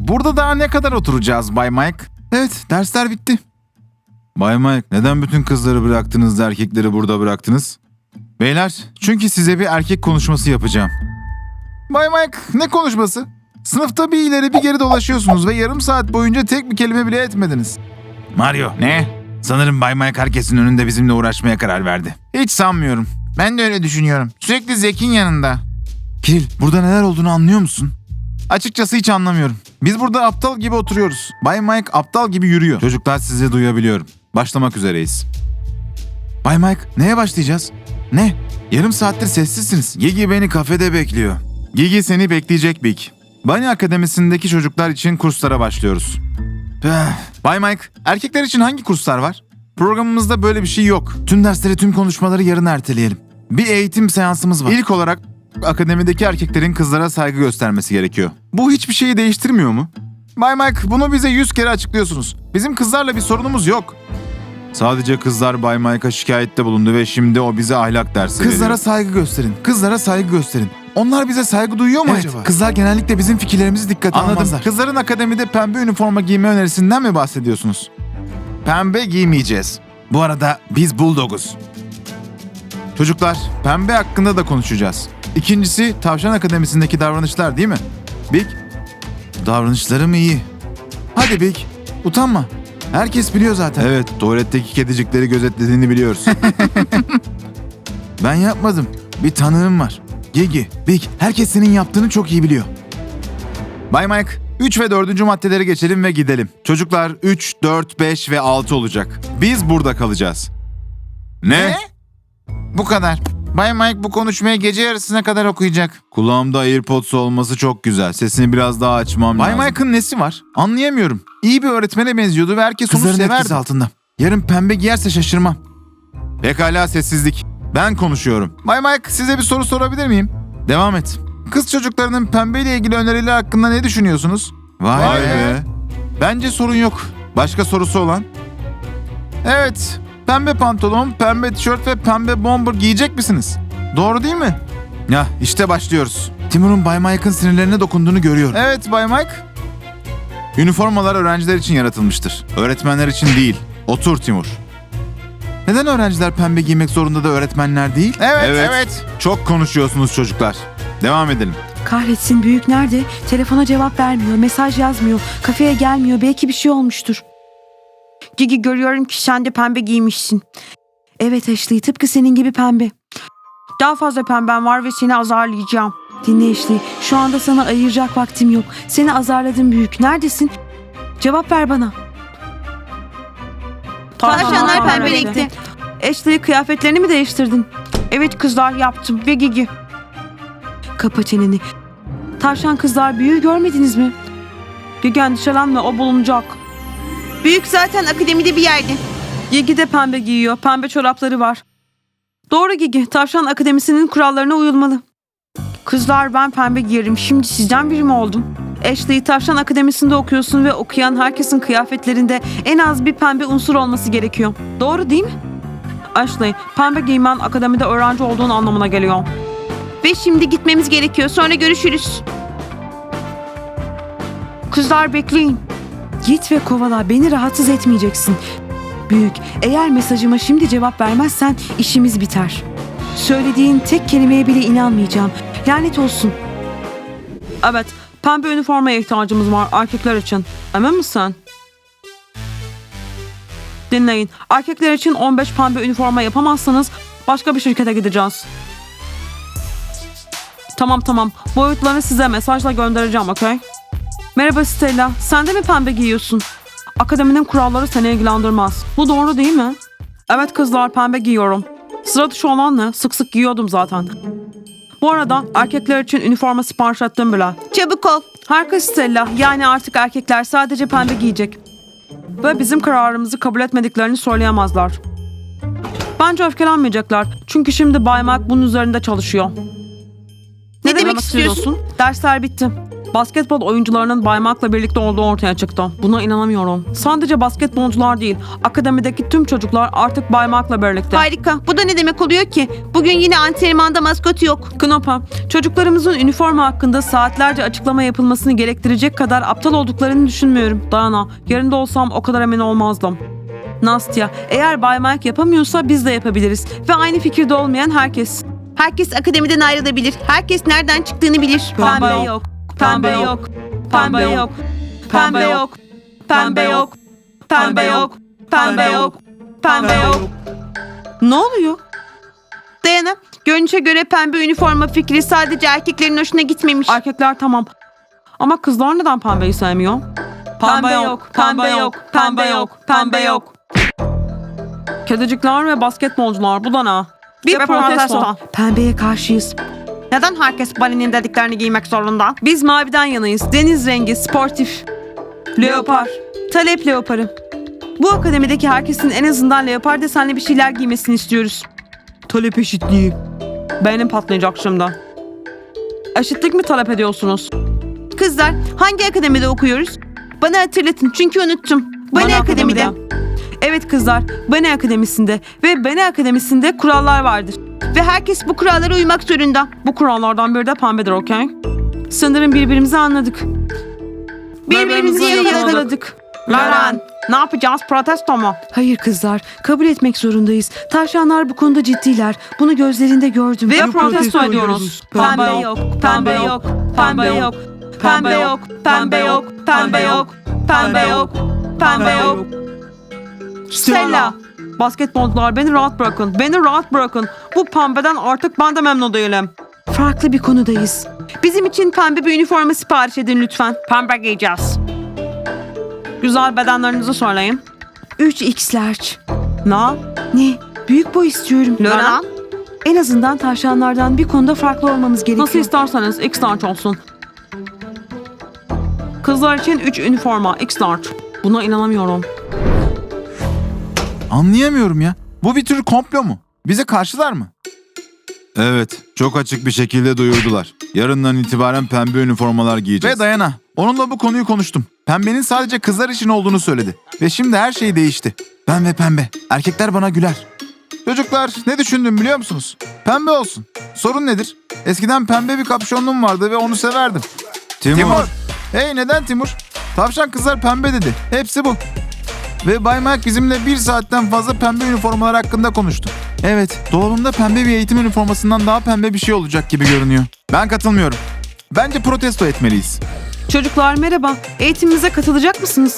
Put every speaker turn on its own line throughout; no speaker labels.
burada daha ne kadar oturacağız Bay Mike? Evet, dersler bitti. Bay Mike, neden bütün kızları bıraktınız da erkekleri burada bıraktınız? Beyler, çünkü size bir erkek konuşması yapacağım. Bay Mike, ne konuşması? Sınıfta bir ileri bir geri dolaşıyorsunuz ve yarım saat boyunca tek bir kelime bile etmediniz. Mario, ne? Sanırım Bay Mike herkesin önünde bizimle uğraşmaya karar verdi. Hiç sanmıyorum. Ben de öyle düşünüyorum. Sürekli Zek'in yanında. Kiril, burada neler olduğunu anlıyor musun? Açıkçası hiç anlamıyorum. Biz burada aptal gibi oturuyoruz. Bay Mike aptal gibi yürüyor. Çocuklar, sizi duyabiliyorum. Başlamak üzereyiz. Bay Mike, neye başlayacağız? Ne? Yarım saattir sessizsiniz. Gigi beni kafede bekliyor. Gigi seni bekleyecek Big. Bunny Akademisi'ndeki çocuklar için kurslara başlıyoruz. Bay Mike, erkekler için hangi kurslar var? Programımızda böyle bir şey yok. Tüm dersleri, tüm konuşmaları yarın erteleyelim. Bir eğitim seansımız var. İlk olarak akademideki erkeklerin kızlara saygı göstermesi gerekiyor. Bu hiçbir şeyi değiştirmiyor mu? Bay Mike, bunu bize 100 kere açıklıyorsunuz. Bizim kızlarla bir sorunumuz yok. Sadece kızlar Bay Mike'a şikayette bulundu ve şimdi o bize ahlak dersi veriyor. Kızlara saygı gösterin. Kızlara saygı gösterin. Onlar bize saygı duyuyor mu acaba? Kızlar genellikle bizim fikirlerimizi dikkate almazlar. Kızların akademide pembe üniforma giyme önerisinden mi bahsediyorsunuz? Pembe giymeyeceğiz. Bu arada biz Bulldog'uz. Çocuklar, pembe hakkında da konuşacağız. İkincisi, Tavşan Akademisi'ndeki davranışlar değil mi? Big, davranışlarım iyi. Hadi Big, utanma. Herkes biliyor zaten. Evet, tuvaletteki kedicikleri gözetlediğini biliyoruz. Ben yapmadım. Bir tanığım var. Gigi, Big, herkes senin yaptığını çok iyi biliyor. Bay Mike, 3 ve 4. maddeleri geçelim ve gidelim. Çocuklar 3, 4, 5 ve 6 olacak. Biz burada kalacağız. Ne? Bu kadar. Bay Mike bu konuşmayı gece yarısına kadar okuyacak. Kulağımda AirPods olması çok güzel. Sesini biraz daha açmam lazım. Bay Mike'ın nesi var? Anlayamıyorum. İyi bir öğretmene benziyordu ve herkes onu severdi. Kızların etkisi altında. Yarın pembe giyerse şaşırmam. Pekala, sessizlik. Ben konuşuyorum. Bay Mike, size bir soru sorabilir miyim? Devam et. Kız çocuklarının pembeyle ilgili öneriler hakkında ne düşünüyorsunuz? Vay be. Bence sorun yok. Başka sorusu olan? Evet. Pembe pantolon, pembe tişört ve pembe bomber giyecek misiniz? Doğru değil mi? Ya işte başlıyoruz. Timur'un Bay Mike'ın sinirlerine dokunduğunu görüyorum. Evet Bay Mike. Üniformalar öğrenciler için yaratılmıştır. Öğretmenler için değil. Otur Timur. Neden öğrenciler pembe giymek zorunda da öğretmenler değil? Evet. Çok konuşuyorsunuz çocuklar. Devam edelim.
Kahretsin, büyük nerede? Telefona cevap vermiyor, mesaj yazmıyor, kafeye gelmiyor. Belki bir şey olmuştur. Gigi, görüyorum ki sen de pembe giymişsin. Evet Ashley, tıpkı senin gibi pembe. Daha fazla pemben var ve seni azarlayacağım. Dinle Ashley, şu anda sana ayıracak vaktim yok. Seni azarladım büyük. Neredesin? Cevap ver bana.
Tavşanlar pembe renkte.
Ashley, kıyafetlerini mi değiştirdin? Evet kızlar, yaptım ve Gigi. Kapa çeneni. Tavşan kızlar, büyüğü görmediniz mi? Gigi, endişelenme, o bulunacak.
Büyük zaten akademide bir yerde.
Gigi de pembe giyiyor. Pembe çorapları var. Doğru Gigi. Tavşan Akademisi'nin kurallarına uyulmalı. Kızlar, ben pembe giyerim. Şimdi sizden biri mi oldum? Ashley, Tavşan Akademisi'nde okuyorsun ve okuyan herkesin kıyafetlerinde en az bir pembe unsur olması gerekiyor. Doğru değil mi? Ashley, pembe giymen akademide öğrenci olduğun anlamına geliyor.
Ve şimdi gitmemiz gerekiyor. Sonra görüşürüz.
Kızlar, bekleyin. Git ve kovala. Beni rahatsız etmeyeceksin. Büyük, eğer mesajıma şimdi cevap vermezsen işimiz biter. Söylediğin tek kelimeye bile inanmayacağım. Lanet olsun. Evet, pembe üniformaya ihtiyacımız var erkekler için. Emin misin? Dinleyin. Erkekler için 15 pembe üniforma yapamazsanız başka bir şirkete gideceğiz. Tamam. Boyutlarını size mesajla göndereceğim, okey? Merhaba Stella. Sen de mi pembe giyiyorsun? Akademinin kuralları seni ilgilendirmez. Bu doğru değil mi? Evet kızlar, pembe giyiyorum. Sıra dışı olan ne? Sık sık giyiyordum zaten. Bu arada erkekler için üniforma sipariş ettim bile.
Çabuk ol.
Harika Stella. Yani artık erkekler sadece pembe giyecek. Ve bizim kararımızı kabul etmediklerini söyleyemezler. Bence öfkelenmeyecekler. Çünkü şimdi Bay Mike bunun üzerinde çalışıyor.
Ne demek istiyorsun?
Dersler bitti. Basketbol oyuncularının Baymak'la birlikte olduğu ortaya çıktı. Buna inanamıyorum. Sadece basketbolcular değil, akademideki tüm çocuklar artık Baymak'la birlikte.
Harika. Bu da ne demek oluyor ki? Bugün yine antrenmanda maskot yok.
Knopa, çocuklarımızın üniforma hakkında saatlerce açıklama yapılmasını gerektirecek kadar aptal olduklarını düşünmüyorum. Dayana, yerinde olsam o kadar emin olmazdım. Nastya, eğer Bay Mike yapamıyorsa biz de yapabiliriz. Ve aynı fikirde olmayan herkes.
Herkes akademiden ayrılabilir. Herkes nereden çıktığını bilir.
Pembe yok. Pembe yok. Pembe yok. Pembe yok. Pembe yok. Pembe yok. Pembe yok. Pembe yok. Ne oluyor?
Dayana, görünüşe göre pembe üniforma fikri sadece erkeklerin hoşuna gitmemiş.
Erkekler tamam. Ama kızlar neden pembeyi sevmiyor? Pembe yok. Pembe yok. Pembe yok. Pembe yok. Kedicikler ve basketbolcular bu da ne? Bir
Ve
protesto.
protesto.
Pembeye karşıyız.
Neden herkes Bunny'nin dediklerini giymek zorunda?
Biz maviden yanayız. Deniz rengi, sportif. Leopar. Talep leoparı. Bu akademideki herkesin en azından leopar desenli bir şeyler giymesini istiyoruz. Talep eşitliği. Beynim patlayacak şimdi. Eşitlik mi talep ediyorsunuz?
Kızlar, hangi akademide okuyoruz? Bana hatırlatın çünkü unuttum. Bunny Akademi'de.
Evet kızlar, Bunny Akademisi'nde ve Bunny Akademisi'nde kurallar vardır.
Ve herkes bu kurallara uymak zorunda.
Bu kurallardan biri de pembedir, okey? Sanırım birbirimizi anladık.
Birbirimizi yakaladık.
Laran, ne yapacağız? Protesto mu? Hayır kızlar, kabul etmek zorundayız. Tavşanlar bu konuda ciddiler. Bunu gözlerinde gördüm. Ve protesto ediyoruz. Pembe yok, pembe yok, pembe yok, pembe yok, pembe yok, pembe yok, pembe yok, pembe yok. Stella. Basketbolcular beni rahat bırakın. Beni rahat bırakın. Bu pembeden artık ben de memnun değilim. Farklı bir konudayız.
Bizim için pembe bir üniforma sipariş edin lütfen.
Pembe giyeceğiz. Güzel bedenlerinizi söyleyin. 3X large. Ne? Büyük boy istiyorum.
Laran?
En azından tavşanlardan bir konuda farklı olmamız gerekiyor. Nasıl isterseniz X large olsun. Kızlar için 3 üniforma X large. Buna inanamıyorum.
Anlayamıyorum ya. Bu bir tür komplo mu? Bize karşılar mı? Evet, çok açık bir şekilde duyurdular. Yarından itibaren pembe üniformalar giyeceğiz. Ve Dayana, onunla bu konuyu konuştum. Pembenin sadece kızlar için olduğunu söyledi. Ve şimdi her şey değişti. Ben ve pembe. Erkekler bana güler. Çocuklar, ne düşündüm biliyor musunuz? Pembe olsun. Sorun nedir? Eskiden pembe bir kapşonluğum vardı ve onu severdim. Timur. Hey, neden Timur? Tavşan kızlar pembe dedi. Hepsi bu. Ve Bay Mike bizimle 1 saatten fazla pembe üniformalar hakkında konuştu. Evet, dolabımda pembe bir eğitim üniformasından daha pembe bir şey olacak gibi görünüyor. Ben katılmıyorum. Bence protesto etmeliyiz.
Çocuklar merhaba. Eğitimimize katılacak mısınız?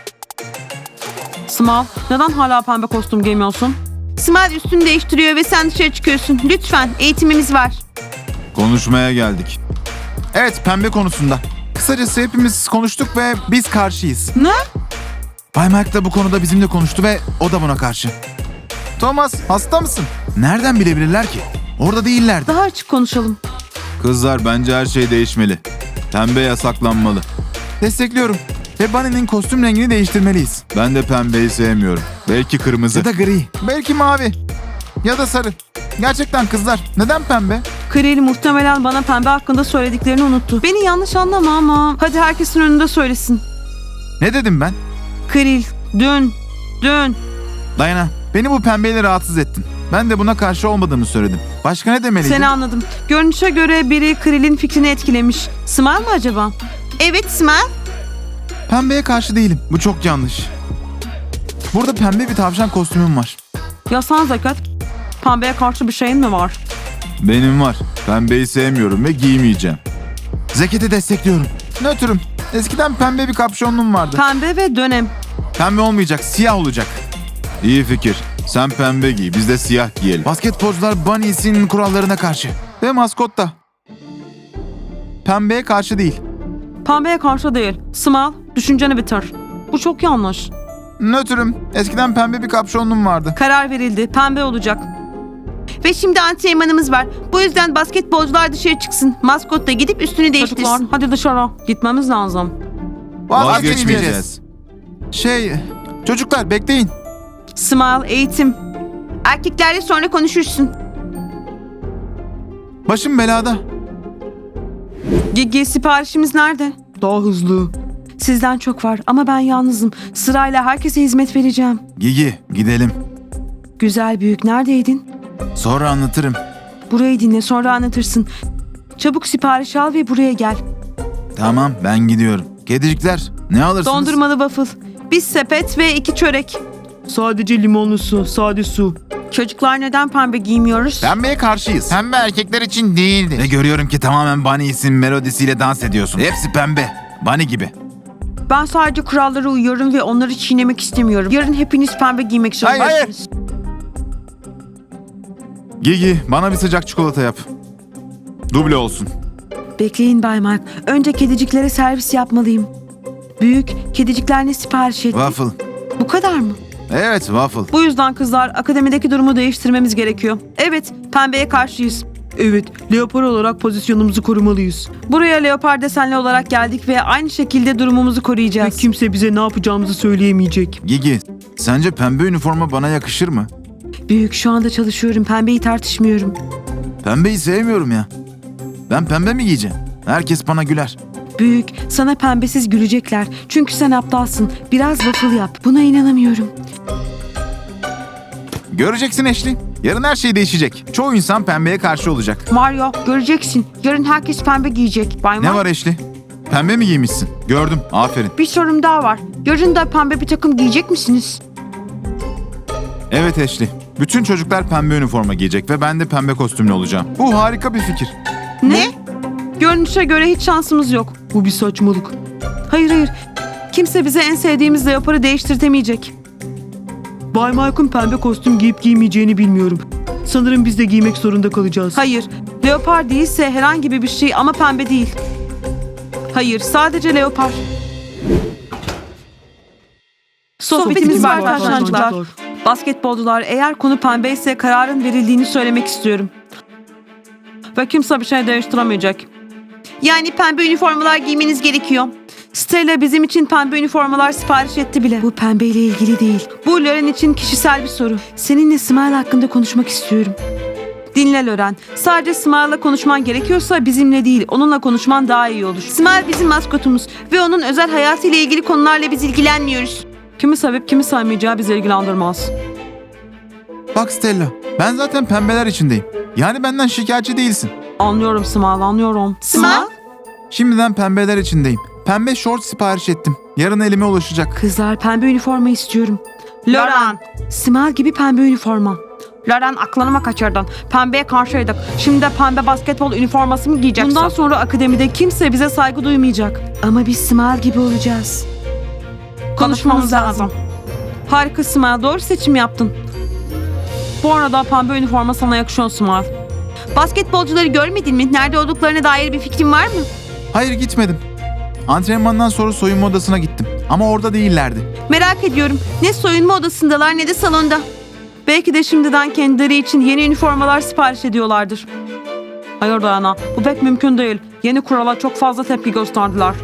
Small, neden hala pembe kostüm giymiyorsun?
Smile üstünü değiştiriyor ve sen dışarı çıkıyorsun. Lütfen, eğitimimiz var.
Konuşmaya geldik. Evet, pembe konusunda. Kısacası hepimiz konuştuk ve biz karşıyız.
Ne?
Bay Mike de bu konuda bizimle konuştu ve o da buna karşı. Thomas, hasta mısın? Nereden bilebilirler ki? Orada değillerdi.
Daha açık konuşalım.
Kızlar, bence her şey değişmeli. Pembe yasaklanmalı. Destekliyorum. Ve Bunny'nin kostüm rengini değiştirmeliyiz. Ben de pembeyi sevmiyorum. Belki kırmızı. Ya da gri. Belki mavi. Ya da sarı. Gerçekten kızlar, neden pembe?
Kril muhtemelen bana pembe hakkında söylediklerini unuttu. Beni yanlış anlama ama. Hadi herkesin önünde söylesin.
Ne dedim ben?
Kril, dün.
Dayana, beni bu pembeyle rahatsız ettin. Ben de buna karşı olmadığımı söyledim. Başka ne demeliydim?
Seni anladım. Görünüşe göre biri Kril'in fikrini etkilemiş. Smile mı acaba?
Evet Smile.
Pembeye karşı değilim. Bu çok yanlış. Burada pembe bir tavşan kostümüm var.
Ya sen Zekat? Pembeye karşı bir şeyin mi var?
Benim var. Pembeyi sevmiyorum ve giymeyeceğim. Zeket'i destekliyorum. Nötrüm. Eskiden pembe bir kapşonluğum vardı.
Pembe ve dönem.
Pembe olmayacak, siyah olacak. İyi fikir. Sen pembe giy, biz de siyah giyelim. Basketbolcular Bunny's'in kurallarına karşı. Ve maskot da. Pembeye karşı değil.
Pembeye karşı değil. Smile, düşünceni bitir. Bu çok yanlış.
Nötrüm. Eskiden pembe bir kapşonluğum vardı.
Karar verildi. Pembe olacak.
Ve şimdi antrenmanımız var. Bu yüzden basketbolcular dışarı çıksın. Maskot da gidip üstünü
Çocuklar
değiştirsin.
hadi dışarı. Gitmemiz lazım.
Vazgeçmeyeceğiz. Çocuklar bekleyin.
Smile, eğitim.
Erkeklerle sonra konuşursun.
Başım belada.
Gigi, siparişimiz nerede? Daha hızlı. Sizden çok var ama ben yalnızım. Sırayla herkese hizmet vereceğim.
Gigi, gidelim.
Güzel büyük, neredeydin?
Sonra anlatırım.
Burayı dinle, sonra anlatırsın. Çabuk sipariş al ve buraya gel.
Tamam, ben gidiyorum. Kedicikler, ne alırsınız?
Dondurmalı waffle. Bir sepet ve 2 çörek. Sadece limonlu su, sade su. Çocuklar neden pembe giymiyoruz?
Pembeye karşıyız. Pembe erkekler için değildir. Ve görüyorum ki tamamen Bunny isim melodisiyle dans ediyorsun. Hepsi pembe. Bunny gibi.
Ben sadece kurallara uyuyorum ve onları çiğnemek istemiyorum. Yarın hepiniz pembe giymek zorundasınız.
Gigi, bana bir sıcak çikolata yap. Duble olsun.
Bekleyin Bay Mark. Önce kediciklere servis yapmalıyım. Büyük, kedicikler ne sipariş etti?
Waffle.
Bu kadar mı?
Evet, waffle.
Bu yüzden kızlar akademideki durumu değiştirmemiz gerekiyor. Evet, pembeye karşıyız. Evet, leopar olarak pozisyonumuzu korumalıyız. Buraya leopar desenli olarak geldik ve aynı şekilde durumumuzu koruyacağız. Ve kimse bize ne yapacağımızı söyleyemeyecek.
Gigi, sence pembe üniforma bana yakışır mı?
Büyük, şu anda çalışıyorum. Pembeyi tartışmıyorum.
Pembeyi sevmiyorum ya. Ben pembe mi giyeceğim? Herkes bana güler.
Büyük, sana pembesiz gülecekler. Çünkü sen aptalsın. Biraz waffle yap. Buna inanamıyorum.
Göreceksin Ashley. Yarın her şey değişecek. Çoğu insan pembeye karşı olacak.
Mario, göreceksin. Yarın herkes pembe giyecek. Bay
Ne
Mark.
var Ashley? Pembe mi giymişsin? Gördüm. Aferin.
Bir sorum daha var. Yarın da pembe bir takım giyecek misiniz?
Evet Ashley. Bütün çocuklar pembe üniforma giyecek ve ben de pembe kostümlü olacağım. Bu harika bir fikir.
Ne? Görünüşe göre hiç şansımız yok. Bu bir saçmalık. Hayır. Kimse bize en sevdiğimiz leoparı değiştirtemeyecek. Bay Mike'ın pembe kostüm giyip giymeyeceğini bilmiyorum. Sanırım biz de giymek zorunda kalacağız. Hayır. Leopar değilse herhangi bir şey ama pembe değil. Hayır, sadece leopar. Sohbetimiz var arkadaşlar. Basketbolcular, eğer konu pembe ise kararın verildiğini söylemek istiyorum. Ve kimse bir şey değiştiremeyecek.
Yani pembe üniformalar giymeniz gerekiyor.
Stella bizim için pembe üniformalar sipariş etti bile. Bu pembeyle ilgili değil. Bu Loren için kişisel bir soru. Seninle Smile hakkında konuşmak istiyorum. Dinle Loren. Sadece Smile'la konuşman gerekiyorsa bizimle değil, onunla konuşman daha iyi olur.
Smile bizim maskotumuz ve onun özel hayatıyla ilgili konularla biz ilgilenmiyoruz.
Kimi sevip kimi sevmeyeceği bizi ilgilendirmez.
Bak Stella, ben zaten pembeler içindeyim. Yani benden şikayetçi değilsin.
Anlıyorum Smile, anlıyorum.
Smile?
Şimdiden pembeler içindeyim. Pembe şort sipariş ettim. Yarın elime ulaşacak.
Kızlar, pembe üniforma istiyorum.
Loren.
Smile gibi pembe üniforma.
Loren, aklını mı kaçırdın? Pembeye karşıydık. Şimdi de pembe basketbol üniforması mı giyeceksin?
Bundan sonra akademide kimse bize saygı duymayacak. Ama biz Smile gibi olacağız. Konuşmamız lazım. Harika Smile, doğru seçim yaptın. Bu arada pembe üniforma sana yakışıyor Smile.
Basketbolcuları görmedin mi? Nerede olduklarına dair bir fikrin var mı?
Hayır gitmedim. Antrenmandan sonra soyunma odasına gittim. Ama orada değillerdi.
Merak ediyorum. Ne soyunma odasındalar ne de salonda.
Belki de şimdiden kendileri için yeni üniformalar sipariş ediyorlardır. Hayır Dayana, bu pek mümkün değil. Yeni kurala çok fazla tepki gösterdiler.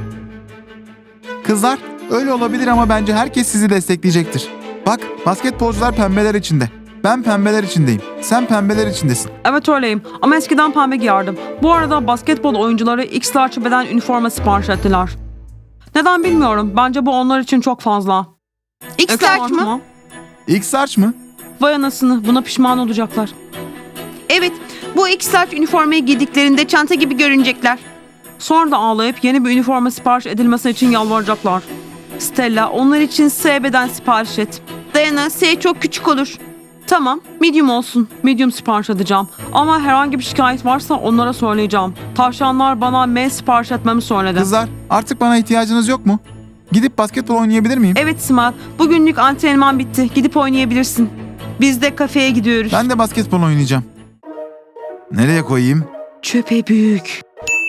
Kızlar, öyle olabilir ama bence herkes sizi destekleyecektir. Bak, basketbolcular pembeler içinde. Ben pembeler içindeyim. Sen pembeler içindesin.
Evet öyleyim ama eskiden pembe giyerdim. Bu arada basketbol oyuncuları X-Large beden üniforma sipariş ettiler. Neden bilmiyorum. Bence bu onlar için çok fazla.
X-Large mı?
X-Large mı?
Vay anasını, buna pişman olacaklar.
Evet. Bu X-Large üniformayı giydiklerinde çanta gibi görünecekler.
Sonra da ağlayıp yeni bir üniforma sipariş edilmesi için yalvaracaklar. Stella, onlar için S beden sipariş et.
Dayana, S çok küçük olur.
Tamam, medium olsun. Medium sipariş edeceğim. Ama herhangi bir şikayet varsa onlara söyleyeceğim. Tavşanlar bana M sipariş etmemi söyledi.
Kızlar, artık bana ihtiyacınız yok mu? Gidip basketbol oynayabilir miyim?
Evet Smile, bugünlük antrenman bitti. Gidip oynayabilirsin. Biz de kafeye gidiyoruz.
Ben de basketbol oynayacağım. Nereye koyayım?
Çöpe büyük.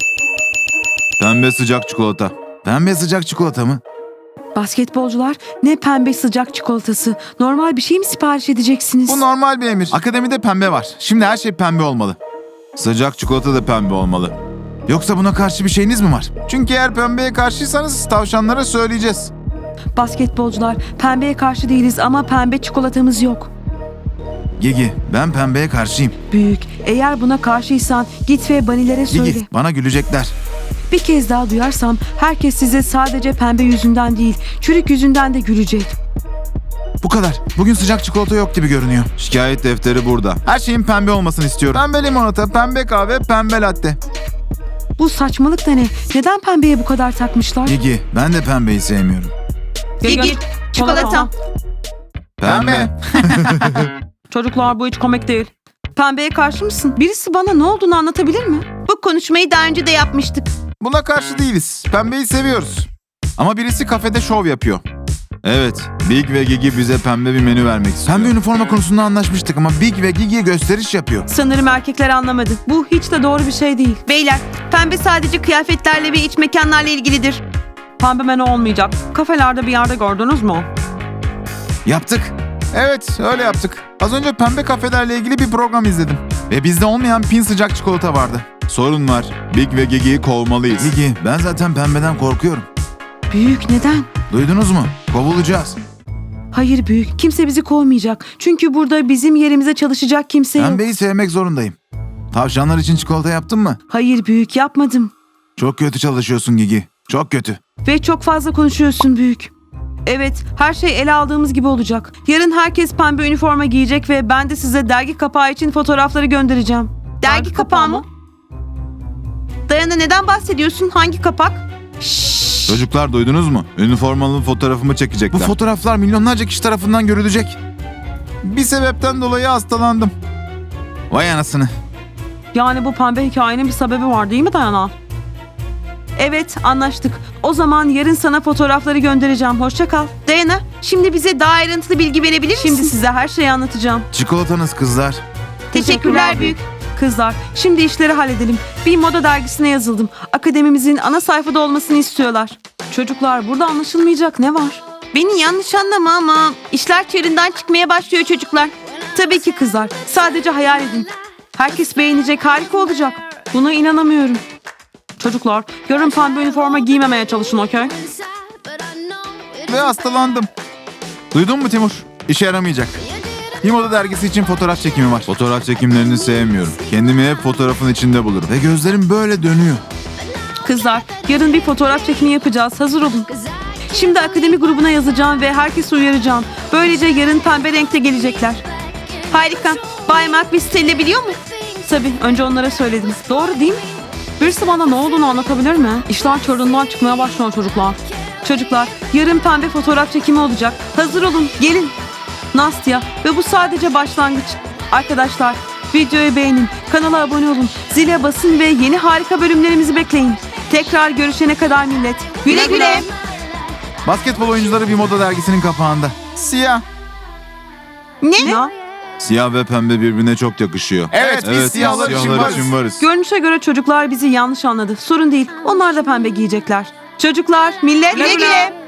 Pembe sıcak çikolata. Pembe sıcak çikolata mı?
Basketbolcular, ne pembe sıcak çikolatası. Normal bir şey mi sipariş edeceksiniz?
Bu normal bir emir. Akademide pembe var. Şimdi her şey pembe olmalı. Sıcak çikolata da pembe olmalı. Yoksa buna karşı bir şeyiniz mi var? Çünkü eğer pembeye karşıysanız tavşanlara söyleyeceğiz.
Basketbolcular, pembeye karşı değiliz ama pembe çikolatamız yok.
Gigi, ben pembeye karşıyım.
Büyük, eğer buna karşıysan git ve banilere söyle.
Gigi, bana gülecekler.
Bir kez daha duyarsam herkes size sadece pembe yüzünden değil, çürük yüzünden de gülecek.
Bu kadar. Bugün sıcak çikolata yok gibi görünüyor. Şikayet defteri burada. Her şeyin pembe olmasını istiyorum. Pembe limonata, pembe kahve, pembe latte.
Bu saçmalık da ne? Neden pembeye bu kadar takmışlar?
Gigi, ben de pembeyi sevmiyorum.
Gigi, çikolata.
Pembe.
Çocuklar bu hiç komik değil. Pembeye karşı mısın? Birisi bana ne olduğunu anlatabilir mi?
Bu konuşmayı daha önce de yapmıştık.
Buna karşı değiliz. Pembeyi seviyoruz. Ama birisi kafede şov yapıyor. Evet, Big ve Gigi bize pembe bir menü vermek istiyor. Pembe üniforma konusunda anlaşmıştık ama Big ve Gigi gösteriş yapıyor.
Sanırım erkekler anlamadı. Bu hiç de doğru bir şey değil.
Beyler, pembe sadece kıyafetlerle ve iç mekanlarla ilgilidir.
Pembe menü olmayacak. Kafelerde bir yerde gördünüz mü?
Yaptık. Evet, öyle yaptık. Az önce pembe kafelerle ilgili bir program izledim. Ve bizde olmayan pin sıcak çikolata vardı. Sorun var. Big ve Gigi'yi kovmalıyız. Gigi, ben zaten pembeden korkuyorum.
Büyük neden?
Duydunuz mu? Kovulacağız.
Hayır büyük. Kimse bizi kovmayacak. Çünkü burada bizim yerimize çalışacak kimse yok.
Pembeyi sevmek zorundayım. Tavşanlar için çikolata yaptın mı?
Hayır büyük yapmadım.
Çok kötü çalışıyorsun Gigi. Çok kötü.
Ve çok fazla konuşuyorsun büyük. Evet, her şey ele aldığımız gibi olacak. Yarın herkes pembe üniforma giyecek ve ben de size dergi kapağı için fotoğrafları göndereceğim.
Dergi kapağı mı? Dayana neden bahsediyorsun? Hangi kapak? Şşş.
Çocuklar duydunuz mu? Üniformalı fotoğrafımı çekecekler. Bu fotoğraflar milyonlarca kişi tarafından görülecek. Bir sebepten dolayı hastalandım. Vay anasını.
Yani bu pembe hikayenin bir sebebi var değil mi Dayana? Evet, anlaştık. O zaman yarın sana fotoğrafları göndereceğim. Hoşça kal.
Dayana, şimdi bize daha ayrıntılı bilgi verebilir misin?
Şimdi size her şeyi anlatacağım.
Çikolatanız kızlar.
Teşekkürler büyük.
Kızlar, şimdi işleri halledelim. Bir moda dergisine yazıldım. Akademimizin ana sayfada olmasını istiyorlar. Çocuklar, burada anlaşılmayacak ne var?
Beni yanlış anlama ama işler çığırından çıkmaya başlıyor çocuklar.
Tabii ki kızlar. Sadece hayal edin. Herkes beğenecek, harika olacak. Buna inanamıyorum. Çocuklar, yarın pembe üniforma giymemeye çalışın, okey?
Ve hastalandım. Duydun mu Timur? İşe yaramayacak. Bir moda dergisi için fotoğraf çekimi var. Fotoğraf çekimlerini sevmiyorum. Kendimi hep fotoğrafın içinde bulurum. Ve gözlerim böyle dönüyor.
Kızlar, yarın bir fotoğraf çekimi yapacağız. Hazır olun. Şimdi akademi grubuna yazacağım ve herkesi uyaracağım. Böylece yarın pembe renkte gelecekler.
Harika. Bay Mark bizi sevilebiliyor mu?
Tabii, önce onlara söyledim. Doğru değil mi? Birisi bana ne olduğunu anlatabilir mi? İşler çığırından çıkmaya başlıyor çocuklar. Çocuklar, yarın pembe fotoğraf çekimi olacak. Hazır olun, gelin. Nastya ve bu sadece başlangıç. Arkadaşlar, videoyu beğenin, kanala abone olun, zile basın ve yeni harika bölümlerimizi bekleyin. Tekrar görüşene kadar millet.
Güle güle.
Basketbol oyuncuları bir moda dergisinin kapağında. Siyah.
Ne?
Ya,
Siyah ve pembe birbirine çok yakışıyor.
Evet, biz siyahlar için varız.
görünüşe göre çocuklar bizi yanlış anladı. Sorun değil, onlar da pembe giyecekler. Çocuklar,
Millet güle güle.